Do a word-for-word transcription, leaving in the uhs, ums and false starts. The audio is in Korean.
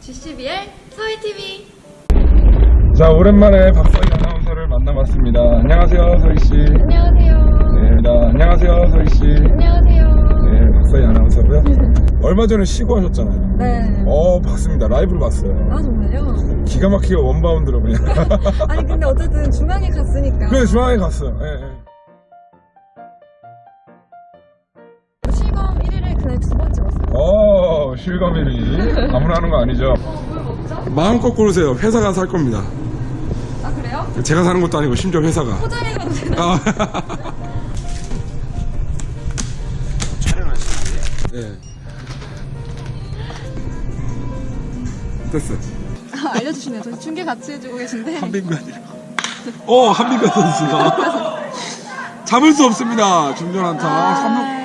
지씨비엘 서희티비. 자, 오랜만에 박서희 아나운서를 만나봤습니다. 안녕하세요, 서희씨. 안녕하세요. 네, 나, 안녕하세요, 서희씨. 안녕하세요. 네, 박서희 아나운서고요. 얼마 전에 쉬고 하셨잖아요. 네. 어, 봤습니다. 라이브로 봤어요. 아, 정말요? 기가 막히게 원바운드로 그냥. 아니, 근데 어쨌든 중앙에 갔으니까. 그래, 중앙에 갔어요. 예, 예. 실검 일 위를 그날 두 번 찍었어요. 어, 실검일이 아무나 하는 거 아니죠? 어, 뭘 먹죠? 마음껏 고르세요. 회사가 살 겁니다. 아, 그래요? 제가 사는 것도 아니고 심지어 회사가. 포장해 가도 되나? 아. 촬영하시는데? 예. 됐어. 아, 알려주시네요. 저희 중계 같이 해주고 계신데. 한빈관이요. 어, 한빈관 선수가. 잡을 수 없습니다. 중전 한타. 삼 루.